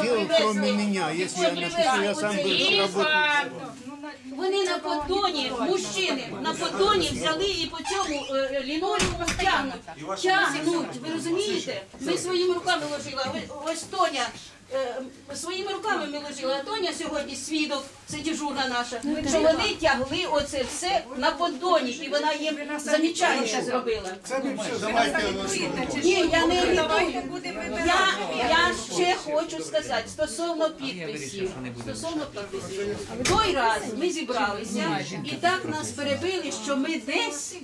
делал, кроме меня? Если я напишу, я сам буду работать. Вони на поддоні, мужчини, на поддоні взяли і по цьому лінолеуму тягнуть. Тягнуть, ви розумієте? Ми своїми руками ложили, ось Тоня, своїми руками ми ложили, а Тоня сьогодні свідок, це дежурна наша, що вони тягли оце все на поддоні, і вона їм замічання зробила. Ні, я не агітую. Я ще хочу сказати стосовно підписів. Той раз ми зібралися і так нас перебили, що ми десь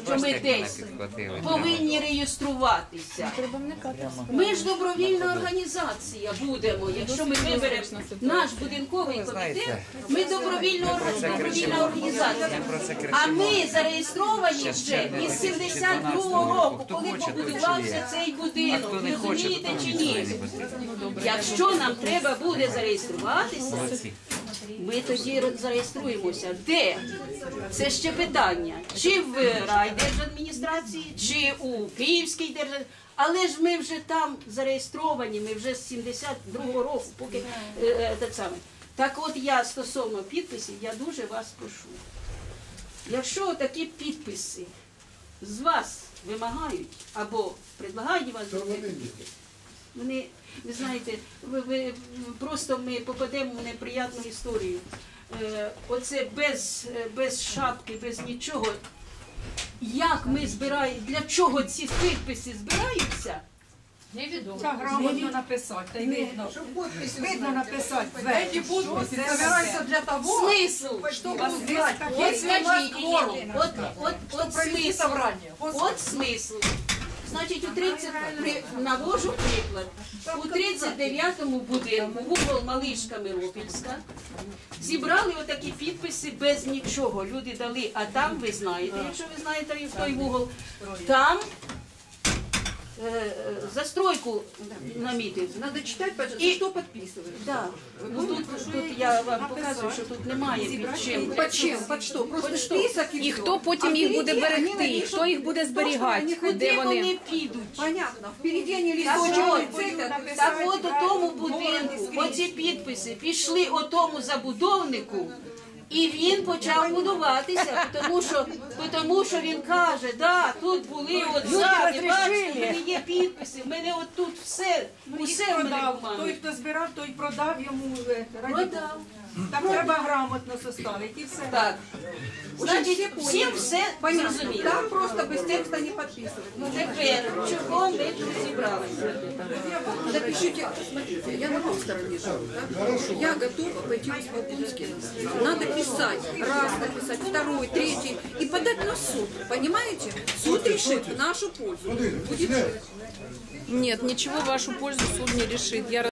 повинні реєструватися. Ми ж добровільна організація будемо, якщо ми виберемо наш будинковий комітет, ми добровільна організація. А ми зареєстровані вже із 72-го року, коли побудувався цей будинок. Розумієте чи ні? Якщо нам треба буде зареєструватися, ми тоді зареєструємося. Де? Це ще питання. Чи в райдержадміністрації, чи у Київській державі. Але ж ми вже там зареєстровані, ми вже з 72-го року, поки так само. Так от я стосовно підписів, я дуже вас прошу. Якщо такі підписи з вас вимагають або предлагають вас зробити, вони, ви знаєте, просто ми попадемо в неприємну історію. Оце без шапки, без нічого. Як ми збираємо, для чого ці підписи збираються? Невідомо. Грамотно написати, та й видно. Видно написати. Эти подписи собираются для того, чтобы узнать, есть ли кворум, От провести собрание. От смисл. Значить, навожу приклад. У 39-му будинку, вугол Малишка Миропільська, зібрали отакі підписи без нічого. Люди дали, а там, ви знаєте, якщо ви знаєте той вугол, там застройку намітив. Надо читать, пожалуйста, что подписывают. Да. Ну, тут я вам показую, що тут немає під чим. Под чем? Под что? Просто список І хто потім їх буде берегти, хто їх буде зберігати, Куди вони підуть? Понятно. Впереди они Так листочек от, цепят. так от у тому будинку оці підписи пішли о тому забудовнику, і він почав будуватися, тому що він каже, да, тут були от ззаді, бачите, в мене є підписи, в мене от тут все в мене бумаги. Той, хто збирав, той продав йому. Продав. Так треба грамотно составити і все. Так. Значить, всім все зрозуміло. Там просто без текста не подписывают. Тепер, чого ми тут зібралися? Запишите, смотрите, я на той стороне живу, да? Я готова пойти в Исполкомский. Надо писать, раз написать, второй, третий, и подать на суд, понимаете? Суд решит в нашу пользу. Будет... Нет, ничего в вашу пользу суд не решит.